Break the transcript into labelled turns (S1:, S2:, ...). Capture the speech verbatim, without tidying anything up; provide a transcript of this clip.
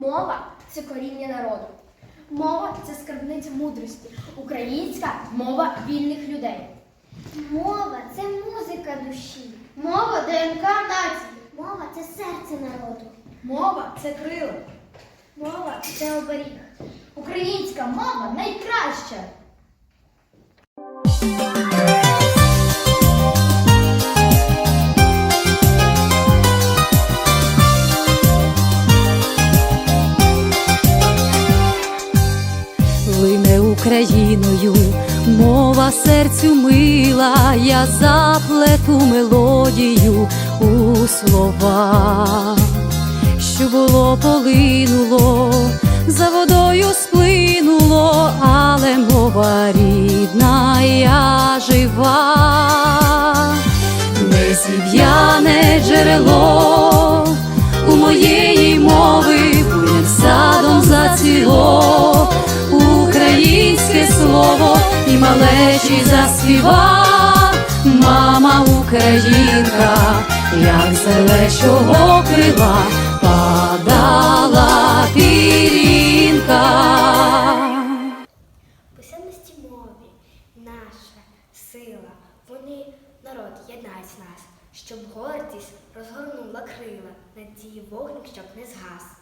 S1: Мова – це коріння народу. Мова – це скарбниця мудрості. Українська мова вільних людей.
S2: Мова – це музика душі.
S1: Мова – ДНК нації.
S2: Мова – це серце народу.
S1: Мова – це крила.
S2: Мова – це оберіг.
S1: Українська мова найкраща.
S3: Лине Україною, мова серцю мила, я заплету мелодію у слова, що було полинуло, за водою сплинуло, але мова рідна, я жива, не зів'яне джерело у моєї мови, буйним садом зацвіло українське слово, і малечі заспіва мама українка, як з лелечого крила падала пірінка.
S2: Писемності мові наша сила, вони народ єднають нас, щоб гордість розгорнула крила, надії вогник, щоб не згас.